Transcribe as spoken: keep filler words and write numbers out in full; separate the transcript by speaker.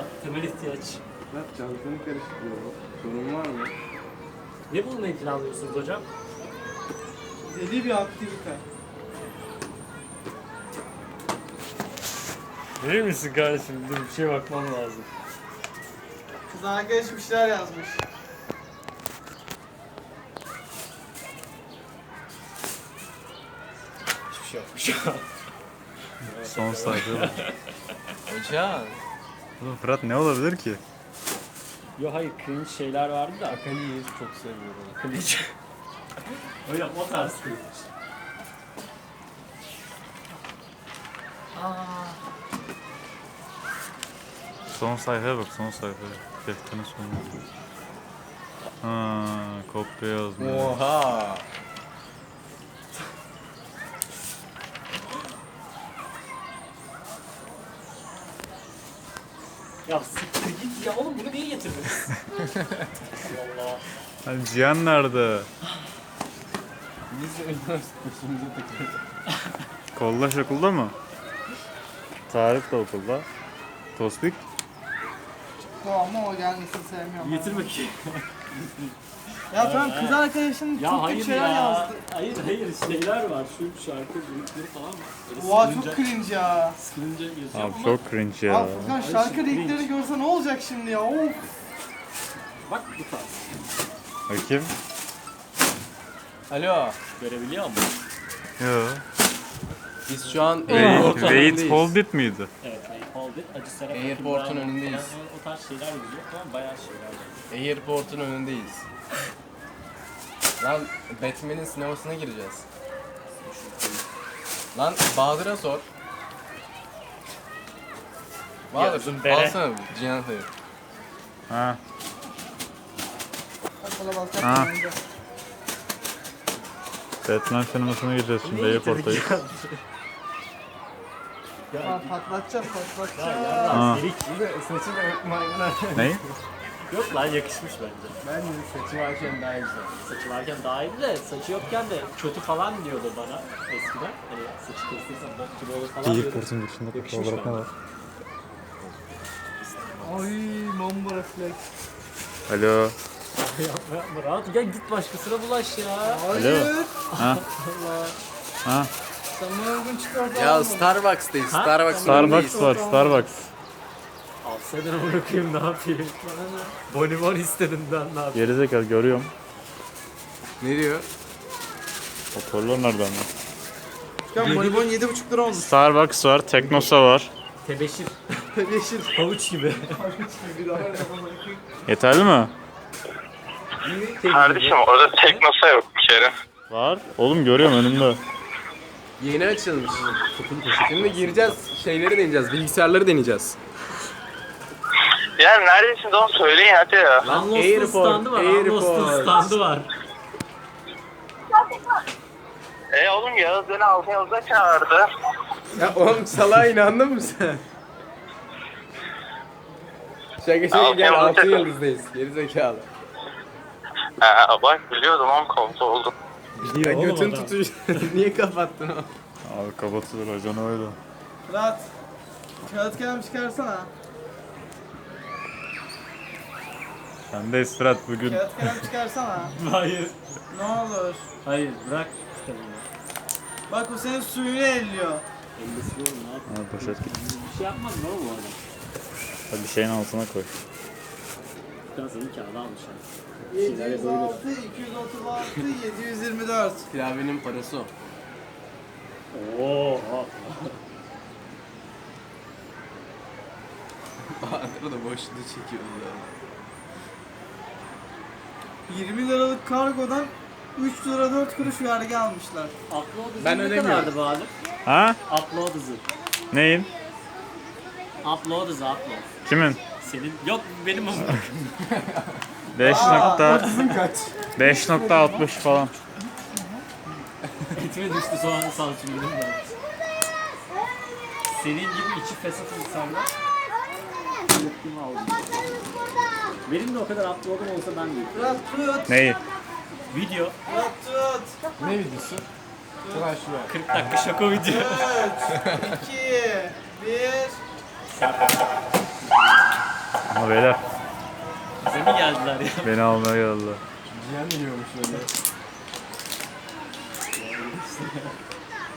Speaker 1: Temel ihtiyaç.
Speaker 2: Fırat çantanı karıştırıyor. Sorun var mı?
Speaker 1: Ne bulmayı planlıyorsunuz hocam?
Speaker 3: Deli bir aktivite.
Speaker 1: Verir misin kardeşim? Dur bir şeye bakmam lazım.
Speaker 3: Kız arkadaş bir şeyler yazmış.
Speaker 1: Hiçbir şey yokmuş.
Speaker 4: Son sayfa.
Speaker 2: Hocam.
Speaker 4: Oğlum Fırat ne olabilir ki?
Speaker 1: Yo hayır cringe şeyler vardı da.
Speaker 2: Akali'yi çok seviyorum.
Speaker 1: Cringe. Hocam o tarz cringe.
Speaker 4: Son sayfaya bak, son sayfaya. Defterin sonuna. Ha, kopya yazmış.
Speaker 2: Oha.
Speaker 1: Ya siktir git ya oğlum bunu niye getirdiniz? Allah.
Speaker 4: Hani Cihan nerede?
Speaker 2: Biz üniversitesimize takıldık.
Speaker 4: Kollaş okulda mı? Tarık da okulda. Tospik?
Speaker 3: Bu ama o gelmesini sevmiyorum.
Speaker 1: Getir bakayım.
Speaker 3: Ya ben kız arkadaşın
Speaker 1: Ya
Speaker 3: çok
Speaker 1: hayır
Speaker 3: kötü şeyler
Speaker 1: ya.
Speaker 3: yazdı.
Speaker 1: Hayır hayır şeyler var. Şu şarkı linkleri falan var. Böyle
Speaker 3: Oha
Speaker 1: sıkılınca-
Speaker 3: çok cringe ya.
Speaker 1: Sıkılınca yazıyor
Speaker 4: Abi
Speaker 1: ama
Speaker 4: çok cringe ya.
Speaker 3: Abi Furkan
Speaker 1: Ay,
Speaker 3: şarkı
Speaker 1: cringe.
Speaker 3: linkleri görse ne olacak şimdi ya? Of.
Speaker 1: bak bu tarz.
Speaker 4: Bakayım.
Speaker 2: Alo.
Speaker 1: Görebiliyor musun?
Speaker 4: Yo.
Speaker 2: Biz şu an
Speaker 4: Wait,
Speaker 2: Airport'un
Speaker 4: wait
Speaker 2: önündeyiz.
Speaker 4: hold it miydi?
Speaker 1: Evet, Wait, Hold It, Acı Serap
Speaker 2: Airport'un
Speaker 1: Akın, Bravo
Speaker 2: önündeyiz.
Speaker 1: falan, O tarz şeyler yazıyor ama bayağı şeyler var.
Speaker 2: Airport'un önündeyiz. Lan Batman'in sinemasına gireceğiz. Lan Bahadır'a sor. Bahadır,
Speaker 1: Yazın bere.
Speaker 2: alsana Cihan Sayın.
Speaker 4: Ha.
Speaker 3: Bak bana bak.
Speaker 4: Ha.
Speaker 3: bak.
Speaker 4: Batman sinemasına gireceğiz şimdi
Speaker 1: Niye getirdik
Speaker 4: Airport'tayız.
Speaker 1: ya?
Speaker 3: Ha, patlatacağım
Speaker 1: Ya
Speaker 3: patlatacağım.
Speaker 1: yarrağım
Speaker 4: Ha.
Speaker 1: delik.
Speaker 2: Saçı da maymunlar.
Speaker 4: Ne?
Speaker 1: Yok lan yakışmış bence.
Speaker 2: Ben de saçı varken daha güzel.
Speaker 1: Saçı varken daha iyiydi de saçı yokken de kötü falan diyordu bana eskiden. Hani saçı kestirsem bok gibi olur falan diyordu.
Speaker 4: Airport'un girişinde
Speaker 1: Yakışmış
Speaker 4: olarak ne
Speaker 1: bence.
Speaker 4: var?
Speaker 3: Ay mamba refleks.
Speaker 4: Alo.
Speaker 1: Yapma yapma rahat gel git başkasına bulaş ya.
Speaker 3: Hayır.
Speaker 4: Ha?
Speaker 1: Allah.
Speaker 4: Ha?
Speaker 3: Sen bana uygun çıkartan
Speaker 2: Ya
Speaker 3: almadın.
Speaker 2: Starbucks'tayız.
Speaker 1: Ha?
Speaker 2: Starbucks'ın
Speaker 4: Starbucks
Speaker 2: önündeyiz.
Speaker 4: var, Starbucks.
Speaker 1: Alsaydın bırakayım ne yapayım. Bonibon istedim ben ne yapayım.
Speaker 4: Gerizekalı görüyorum.
Speaker 2: Ne diyor?
Speaker 4: Hoparlör nereden lan?
Speaker 3: Furkan bonibon yedi buçuk lira olmuş.
Speaker 4: Starbucks var, Teknosa var.
Speaker 1: Tebeşir.
Speaker 3: Yeşil.
Speaker 1: Havuç gibi.
Speaker 4: Yeterli mi?
Speaker 5: Kardeşim orada Teknosa yok bir kere.
Speaker 4: Var. Oğlum görüyorum önümde.
Speaker 2: Yeni açılmış. Şimdi gireceğiz, şeyleri deneyeceğiz, bilgisayarları deneyeceğiz.
Speaker 5: Ya neredesin onu söyleyin hadi ya.
Speaker 1: Unlost'un
Speaker 2: Airport,
Speaker 1: standı var. Unlost'un
Speaker 2: Airport.
Speaker 1: standı var.
Speaker 5: E oğlum Yağız beni altın yılda çağırdı.
Speaker 2: Ya oğlum salağa inandın mı sen? Şaka şaka
Speaker 5: Altın
Speaker 2: gel
Speaker 5: yıldız
Speaker 2: altın
Speaker 5: takım.
Speaker 2: yıldızdayız. Geri zekalı.
Speaker 5: Ha bak biliyordum oğlum komuta oldum.
Speaker 2: Ya
Speaker 1: oğlum
Speaker 2: götün
Speaker 1: adam.
Speaker 2: tutuyor. Niye kapattın o?
Speaker 4: Abi kapatılır hocam öyle.
Speaker 3: Fırat. Kağıt kalem çıkarsana.
Speaker 4: Sen de istirahat bugün.
Speaker 3: Kağıt kalem çıkarsana.
Speaker 1: Hayır.
Speaker 3: Ne olur.
Speaker 1: Hayır bırak kitabını.
Speaker 3: Bak o senin suyunu elliyor.
Speaker 1: Ellisi oğlum ne yapayım.
Speaker 4: Ha, poşet git.
Speaker 1: Bir şey yapmaz mı oğlum bu adam?
Speaker 4: Hadi bir şeyin altına koy.
Speaker 1: Gazını kağıda almış yani.
Speaker 3: yedi yüz altı, iki yüz otuz altı, yedi yüz yirmi dört.
Speaker 2: Klavyenin parası o.
Speaker 1: Oo.
Speaker 2: Bahadır da boşluğu çekiyordu ya.
Speaker 3: yirmi liralık kargodan üç lira dört kuruş vergi almışlar.
Speaker 1: Upload hızı
Speaker 2: Ben
Speaker 1: ne
Speaker 2: ödemiyorum.
Speaker 1: kadardı Bahadır?
Speaker 4: Ha?
Speaker 1: Upload hızı.
Speaker 4: Neyin?
Speaker 1: Upload hızı upload.
Speaker 4: Kimin?
Speaker 1: Senin yok benim ama.
Speaker 4: beş nokta
Speaker 2: kaç?
Speaker 4: beş nokta altmış falan.
Speaker 1: Etime düştü soğan salçım benim de. Senin gibi içi fesat insanlar. Yıktım aldım. Benim de o kadar upload'um olsa ben de.
Speaker 3: Fırat tut.
Speaker 4: Neyi?
Speaker 1: Video
Speaker 3: Fırat tut.
Speaker 2: Ne videosu? Ulan şuraya.
Speaker 1: kırk dakika şaka video.
Speaker 3: üç, iki, bir.
Speaker 4: Ama beyler
Speaker 1: Bize mi geldiler ya?
Speaker 4: beni almaya geldiler.
Speaker 2: Cihan yiyormuş öyle.